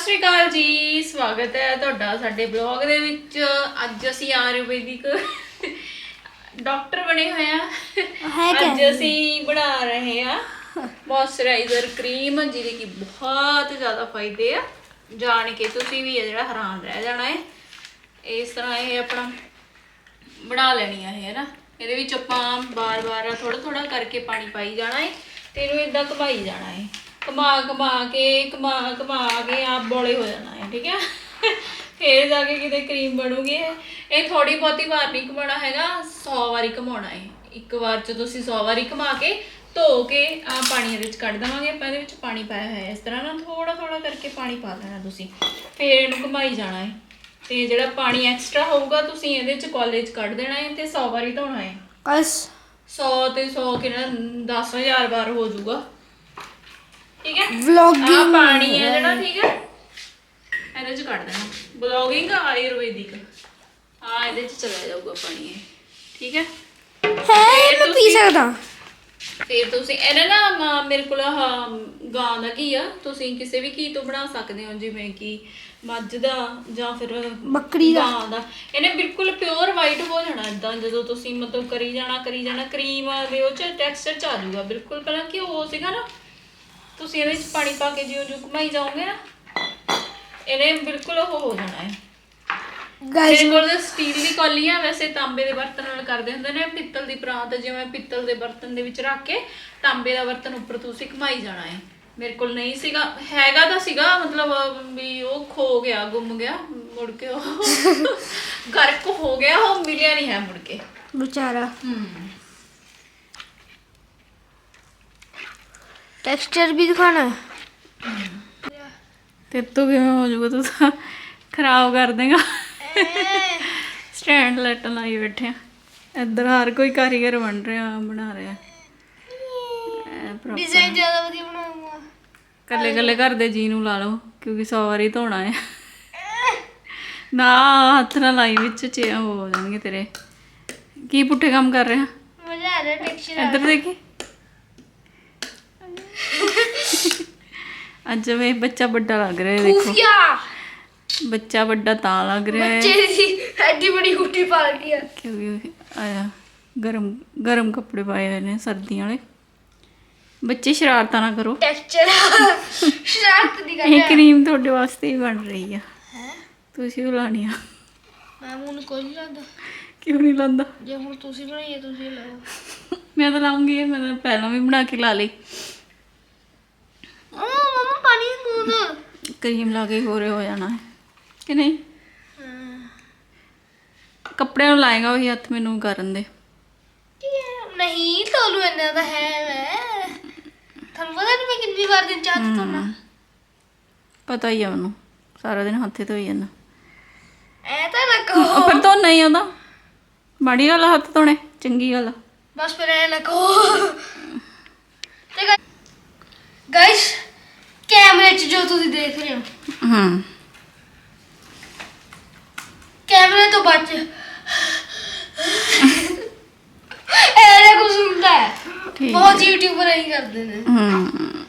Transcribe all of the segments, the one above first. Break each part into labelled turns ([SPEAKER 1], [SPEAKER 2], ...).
[SPEAKER 1] ਸ਼੍ਰੀ ਅਕਾਲ ਜੀ, ਸਵਾਗਤ ਹੈ ਤੁਹਾਡਾ ਸਾਡੇ ਬਲੌਗ ਦੇ ਵਿੱਚ। ਅੱਜ ਅਸੀਂ ਆਯੁਰਵੈਦਿਕ ਡਾਕਟਰ ਬਣੇ ਹੋਏ ਆ। ਅੱਜ ਅਸੀਂ ਬਣਾ ਰਹੇ ਆ ਮੋਇਸਚਰਾਈਜ਼ਰ ਕਰੀਮ, ਜਿਹਦੇ ਕਿ ਬਹੁਤ ਜ਼ਿਆਦਾ ਫਾਇਦੇ ਆ। ਜਾਣ ਕੇ ਤੁਸੀਂ ਵੀ ਜਿਹੜਾ ਹੈਰਾਨ ਰਹਿ ਜਾਣਾ ਹੈ। ਇਸ ਤਰ੍ਹਾਂ ਇਹ ਆਪਣਾ ਬਣਾ ਲੈਣੀ ਆ ਇਹ ਨਾ। ਇਹਦੇ ਵਿੱਚ ਆਪਾਂ ਬਾਰ-ਬਾਰ ਥੋੜਾ ਕਰਕੇ ਪਾਣੀ ਪਾਈ ਜਾਣਾ ਹੈ ਤੇ ਇਹਨੂੰ ਇਦਾਂ ਘੁਮਾਈ ਜਾਣਾ ਹੈ। ਘੁਮਾ ਕੇ ਆਪ ਬੋਲੇ ਹੋ ਜਾਣਾ ਹੈ। ਠੀਕ ਹੈ, ਫਿਰ ਜਾ ਕੇ ਕਿਤੇ ਕਰੀਮ ਬਣੂਗੀ। ਇਹ ਥੋੜੀ ਬਹੁਤੀ ਵਾਰ ਨਹੀਂ ਘੁਮਾਉਣਾ ਹੈਗਾ, 100 ਵਾਰੀ ਘੁਮਾਉਣਾ ਹੈ। ਇੱਕ ਵਾਰ ਚ ਤੁਸੀਂ 100 ਵਾਰੀ ਘੁਮਾ ਕੇ ਧੋ ਕੇ ਆ ਪਾਣੀ ਇਹਦੇ ਵਿੱਚ ਕੱਢ ਦੇਵਾਂਗੇ ਆਪਾਂ। ਇਹਦੇ ਵਿੱਚ ਪਾਣੀ ਪਾਇਆ ਹੋਇਆ ਇਸ ਤਰ੍ਹਾਂ ਨਾ, ਥੋੜਾ ਕਰਕੇ ਪਾਣੀ ਪਾ ਦੇਣਾ ਤੁਸੀਂ, ਫਿਰ ਇਹਨੂੰ ਘੁਮਾਈ ਜਾਣਾ ਹੈ। ਤੇ ਜਿਹੜਾ ਪਾਣੀ ਐਕਸਟਰਾ ਹੋਊਗਾ ਤੁਸੀਂ ਇਹਦੇ ਚ ਕਾਲਜ ਕੱਢ ਦੇਣਾ ਹੈ ਤੇ 100 ਵਾਰੀ ਧੋਣਾ ਹੈ। 100 ਤੇ 100 ਕਿੰਨਾ 10,000 ਵਾਰ ਹੋ ਜਾਊਗਾ। ਠੀਕ ਹੈ, ਵਲੌਗਿੰਗ ਪਾਣੀ ਹੈ ਜਿਹੜਾ, ਠੀਕ ਹੈ, ਇਹਦੇ ਚ ਕੱਢ ਦੇਣਾ। ਵਲੌਗਿੰਗ ਆਯੁਰਵੈਦਿਕ ਇਹਦੇ ਚ ਚਲਾ ਜਾਊਗਾ ਪਾਣੀ ਇਹ। ਠੀਕ ਹੈ, ਮੈਂ ਪੀ ਸਕਦਾ। ਫਿਰ ਤੁਸੀਂ ਇਹਨੇ ਨਾ, ਮੇਰੇ ਕੋਲ ਗਾਂ ਦਾ ਘੀ ਆ, ਤੁਸੀਂ ਕਿਸੇ ਵੀ ਘੀ ਤੋਂ ਬਣਾ ਸਕਦੇ ਹੋ, ਜਿਵੇਂ ਕਿ ਮੱਝ ਦਾ ਜਾਂ ਫਿਰ ਬੱਕਰੀ ਦਾ, ਗਾਂ ਦਾ। ਇਹਨੇ ਬਿਲਕੁਲ ਪਿਓਰ ਵਾਈਟ ਹੋ ਜਾਣਾ ਇਦਾਂ। ਜਦੋਂ ਤੁਸੀਂ ਮਤਲਬ ਕਰੀ ਜਾਣਾ ਕਰੀਮ ਦੇ ਉਹ ਚ ਟੈਕਸਚਰ ਚ ਆ ਜਾਊਗਾ ਬਿਲਕੁਲ। ਪਹਿਲਾਂ ਘਿਓ ਸੀਗਾ ਨਾ, ਤੁਸੀਂ ਇਹਦੇ ਵਿੱਚ ਪਾਣੀ ਪਾ ਕੇ ਜਿਉਂ ਘੁਮਾਈ ਜਾਓਗੇ ਨਾ, ਇਹਨੇ ਬਿਲਕੁਲ ਉਹ ਹੋ ਜਾਣਾ ਹੈ। ਮੇਰੇ ਕੋਲ ਸਟੀਲ ਦੀ ਕੌਲੀ ਆ, ਵੈਸੇ ਤਾਂਬੇ ਦੇ ਬਰਤਨ ਨਾਲ ਕਰਦੇ ਹੁੰਦੇ ਨੇ। ਪਿੱਤਲ ਦੀ ਪਰਾਤ, ਜਿਵੇਂ ਪਿੱਤਲ ਦੇ ਬਰਤਨ ਦੇ ਵਿੱਚ ਰੱਖ ਕੇ ਤਾਂਬੇ ਦਾ ਬਰਤਨ ਉੱਪਰ ਤੁਸੀਂ ਘੁਮਾਈ ਜਾਣਾ ਹੈ। ਮੇਰੇ ਕੋਲ ਨਹੀਂ ਸੀਗਾ, ਹੈਗਾ ਤਾਂ ਸੀਗਾ, ਮਤਲਬ ਵੀ ਉਹ ਖੋ ਗਿਆ, ਗੁੰਮ ਗਿਆ, ਮੁੜ ਕੇ ਉਹ ਗਰਕ ਹੋ ਗਿਆ, ਉਹ ਮਿਲਿਆ ਨਹੀਂ ਹੈ ਮੁੜ ਕੇ ਵਿਚਾਰਾ। टेक्सचर भी दिखाना है। तेरे तो किवें हो जाऊगा, तू तो खराब कर देगा। स्टैंड लाइट लाई बैठे इधर, हर कोई कारीगर बन बना रहा। डिजाइन ज्यादा वधिया बनाऊंगा। कल्ले घर दे जी नूं ला लो, क्योंकि 100 वारी धोना है ना। हथ ना लाई विच चे हो जाएंगे तेरे। की पुट्ठे काम कर रहे हैं? मजा आ रहा है टेक्सचर। इधर देखी ਅੱਜ ਵੇ ਬੱਚਾ ਵੱਡਾ ਲੱਗ ਰਿਹਾ ਹੈ। देखो ਬੱਚਾ ਵੱਡਾ ਤਾਂ ਲੱਗ ਰਿਹਾ ਹੈ, ਬੱਚੇ ਦੀ ਐਡੀ ਬੜੀ ਹੁੱਟੀ ਪਾ ਲਈ ਆ, ਕਿਉਂਕਿ ਆਇਆ ਗਰਮ ਕੱਪੜੇ ਪਾਏ ਹੋਏ ਨੇ ਸਰਦੀਆਂ ਵਾਲੇ। ਬੱਚੇ ਸ਼ਰਾਰਤਾਂ ਨਾ ਕਰੋ। ਟੈਕਸਚਰ ਸ਼ਰਾਰਤ ਦੀ ਗੱਲ ਹੈ। ਇਹ ਕਰੀਮ ਤੁਹਾਡੇ ਵਾਸਤੇ ਹੀ ਬਣ ਰਹੀ ਆ, ਤੁਸੀਂ ਉਹ ਲਾਣੀ ਆ। ਮੈਂ ਹੁਣ ਕੋਈ ਨਹੀਂ ਲਾਉਂਦਾ। ਕਿਉਂ ਨਹੀਂ ਲਾਉਂਦਾ? ਜੇ ਹੁਣ ਤੁਸੀਂ ਬਣਾਈ ਹੈ ਤੁਸੀਂ ਲਾਓ। ਮੈਂ ਤਾਂ ਲਾਉਂਗੀ, ਮੈਂ ਤਾਂ ਪਹਿਲਾਂ ਵੀ ਬਣਾ ਕੇ ਲਾ ਲਈ। ਕਰੀਮ ਲਾ ਕੇ ਹੋਰ ਹੋ ਜਾਣਾ ਹੈ ਕਿ ਨਹੀਂ? ਕੱਪੜਿਆਂ ਨੂੰ ਲਾਏਗਾ ਉਹੀ ਹੱਥ, ਮੈਨੂੰ ਕਰਨ ਦੇ। ਨਹੀਂ ਤੁਹਾਨੂੰ ਇੰਨਾ ਤਾਂ ਹੈ, ਮੈਂ ਤੁਹਾਨੂੰ ਪਤਾ ਨਹੀਂ ਮੈਂ ਕਿੰਨੀ ਵਾਰ ਦਿਨ ਚਾਹ ਧੋਣਾ। ਪਤਾ ਹੀ ਆ ਮੈਨੂੰ, ਸਾਰਾ ਦਿਨ ਹੱਥੇ ਧੋਈ ਜਾਂਦਾ। ਐ ਤਾਂ ਨਾ ਕਹੋ, ਫਿਰ ਤੋਂ ਨਹੀਂ ਆਉਂਦਾ। ਮਾੜੀ ਗੱਲ ਆ ਹੱਥ ਧੋਣੇ, ਚੰਗੀ ਗੱਲ ਆ ਬਸ। ਫਿਰ ਐ ਨਾ ਕਹੋ। ਤੇ ਗਾਇਸ कैमरे च जो तुम देख रहे हो, कैमरे तो बच ऐसा कुछ सुनता है। बहुत यूट्यूबर यही करते हैं।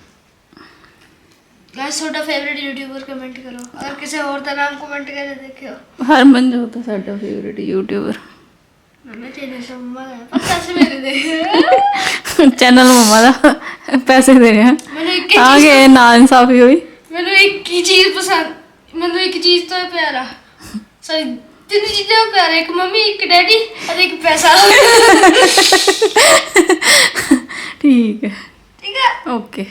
[SPEAKER 1] गाइस ਤੁਹਾਡਾ फेवरेट यूट्यूबर कमेंट करो, अगर किसी और का नाम कमेंट करके देखियो। हरमनजोत है ਸਾਡਾ फेवरेट यूट्यूबर। मैं चैनल से मम्मा है, पर पैसे मेरे दे। चैनल मम्मा ਦਾ ਪੈਸੇ ਦੇ ਰਹੇ ਆ। ਆ ਗਏ ਨਾ ਇਨਸਾਫੀ ਹੋਈ। ਮੈਨੂੰ ਇੱਕ ਹੀ ਚੀਜ਼ ਪਸੰਦ, ਮੈਨੂੰ ਇੱਕ ਚੀਜ਼ ਤੋਂ ਪਿਆਰਾ, ਸੌਰੀ 3 ਚੀਜ਼ਾਂ ਪਿਆਰਾ, ਇੱਕ ਮੰਮੀ, ਇੱਕ ਡੈਡੀ ਅਤੇ ਇੱਕ ਪੈਸਾ। ਠੀਕ ਹੈ ਓਕੇ।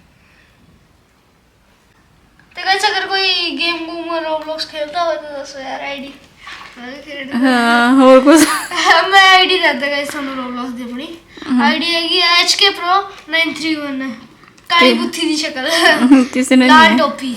[SPEAKER 1] ਤੇ ਗਾਇਸ ਅਗਰ ਕੋਈ ਗੇਮ ਗੂਮ ਰੋਬਲੌਕਸ खेलता हो तो ਦੱਸੋ ਯਾਰ ਆਈਡੀ। ਹਾਂ ਹੋਰ ਕੁਝ ਮੈਂ ਆਈਡੀ ਦੱਸਦਾ ਗਾਇਸ ਤੁਹਾਨੂੰ ਰੋਬਲੌਕਸ ਦੀ। ਆਪਣੀ ਆਈਡੀ ਹੈਗੀ HK Pro 931। ਕਾਲੀ ਬੁੱਥੀ ਦੀ ਸ਼ਕਲ, ਕਿਸੇ ਨੇ ਲਾਲ ਟੋਪੀ,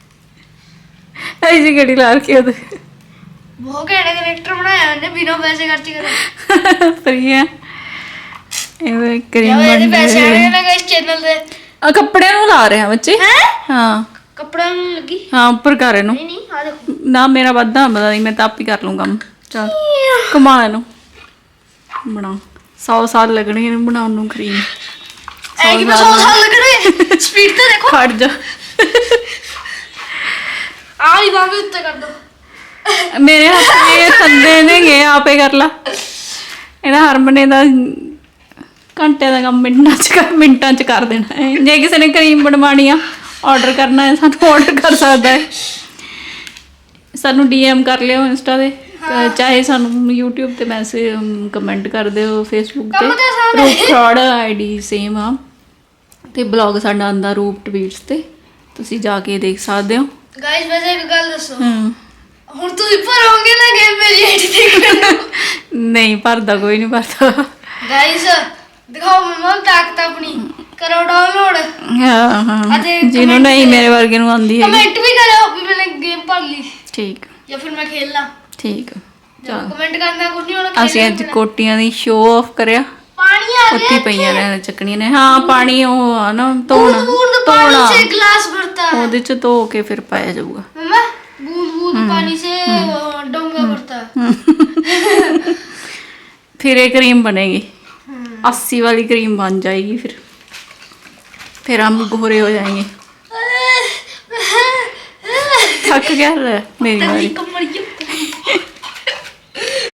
[SPEAKER 1] ਐਸੀ ਗੱਡੀ ਲਾ ਰੱਖੀ ਉਹਦੇ। ਬਹੁਤ ਘੈਂਟ ਕੈਰੈਕਟਰ ਬਣਾਇਆ ਉਹਨੇ, ਬਿਨਾਂ ਪੈਸੇ ਖਰਚ ਕਰੇ। ਫਰੀ ਹੈ ਇਹ ਕਰੀਮ ਬਣ ਰਹੀ ਹੈ। ਪੈਸੇ ਆਣੇ ਨਾ ਗਾਇਸ ਚੈਨਲ ਦੇ। ਆ ਕੱਪੜਿਆਂ ਨੂੰ ਲਾ ਰਹੇ ਆ ਬੱਚੇ। ਹਾਂ ਕੱਪੜਿਆਂ ਨੂੰ ਲੱਗੀ। ਹਾਂ ਉੱਪਰ ਕਰ ਇਹਨੂੰ। ਨਹੀਂ ਨਹੀਂ ਆ ਦੇਖੋ ਨਾ, ਮੇਰਾ ਵੱਧਾ ਪਤਾ ਨਹੀਂ, ਮੈਂ ਤਾਂ ਆਪ ਹੀ ਕਰ ਲੂੰ ਕੰਮ। ਚੱਲ ਕਮਾ ਇਹਨੂੰ ਬਣਾ। 100 ਸਾਲ ਲੱਗਣੇ ਇਹਨੂੰ ਬਣਾਉਣ ਨੂੰ ਕਰੀਮ। 100 ਸਾਲ ਲੱਗਣੇ। ਸਪੀਡ ਤੇ ਦੇਖੋ, ਖੜ ਜਾ।
[SPEAKER 2] भी उत्ते कर दो।
[SPEAKER 1] ਮੇਰੇ ਹੱਥ ਇਹ ਥੱਲੇ ਨੇ ਗਏ ਆਪੇ ਕਰ ਲਾ ਇਹਦਾ ਹਰਮਨੇ ਦਾ ਘੰਟੇ ਦਾ ਕੰਮ ਮਿੰਟਾਂ ਚ ਕਰ ਦੇਣਾ ਹੈ ਜੇ ਕਿਸੇ ਨੇ ਕਰੀਮ ਬਣਵਾਉਣੀ ਆ ਆਰਡਰ ਕਰਨਾ ਹੈ ਸਾਨੂੰ ਆਰਡਰ ਕਰ ਸਕਦਾ ਹੈ ਸਾਨੂੰ DM ਕਰ ਲਿਓ ਇੰਸਟਾ ਤੇ ਚਾਹੇ ਸਾਨੂੰ YouTube ਤੇ ਮੈਸੇਜ ਕਮੈਂਟ ਕਰ ਦਿਓ Facebook ਤੇ ਰੂਪ ਫਰਾਡ ID ਸੇਮ ਆ ਤੇ ਬਲੌਗ ਸਾਡਾ ਆਂਦਾ ਰੂਪ ਟਵੀਟਸ ਤੇ ਤੁਸੀਂ ਜਾ ਕੇ ਦੇਖ ਸਕਦੇ ਹੋ
[SPEAKER 2] गाइस वैसे एक गल दसो ਹੁਣ ਤੁਸੀਂ ਭਰੋਗੇ ਨਾ ਗੇਮ ਮੇਰੀ ਆਈਡੀ ਦੇਖੋ
[SPEAKER 1] ਨਹੀਂ ਭਰਦਾ ਕੋਈ ਨਹੀਂ ਭਰਦਾ
[SPEAKER 2] गाइस ਦਿਖਾਓ ਮਮਾ ਤਾਕਤ ਆਪਣੀ ਕਰੋ ਡਾਊਨਲੋਡ
[SPEAKER 1] ਹਾਂ ਜਿਹਨੂੰ ਨਹੀਂ ਮੇਰੇ ਵਰਗੇ ਨੂੰ ਆਉਂਦੀ ਹੈ
[SPEAKER 2] ਕਮੈਂਟ ਵੀ ਕਰਿਓ ਵੀ ਮੈंने ਗੇਮ ਭਰ ਲਈ
[SPEAKER 1] ਠੀਕ
[SPEAKER 2] ਜਾਂ ਫਿਰ ਮੈਂ ਖੇਲਣਾ
[SPEAKER 1] ਠੀਕ
[SPEAKER 2] ਚਲੋ ਕਮੈਂਟ ਕਰਨਾ ਕੁਝ ਨਹੀਂ ਹੋਣਾ
[SPEAKER 1] ਅਸੀਂ ਅੱਜ ਕੋਟੀਆਂ ਦੀ ਸ਼ੋਅ ਆਫ ਕਰਿਆ
[SPEAKER 2] ਪਾਣੀ ਆ
[SPEAKER 1] ਉੱਤੀ ਪਈਆਂ ਨੇ ਚੱਕਣੀਆਂ ਨੇ ਹਾਂ ਪਾਣੀ ਉਹ ਆ ਨਾ ਧੋਣਾ
[SPEAKER 2] पानी से गिलास भरता है
[SPEAKER 1] ਉਹਦੇ ਚ ਧੋ ਕੇ ਫਿਰ ਪਾਇਆ ਜਾਊਗਾ
[SPEAKER 2] मम्मा बूंद बूंद पानी से डोंगा भरता है
[SPEAKER 1] फिर ये क्रीम बनेगी 80 वाली क्रीम बन जाएगी फिर हम गोरे हो जाएंगे थक गया मेरी बारी
[SPEAKER 2] कमर ये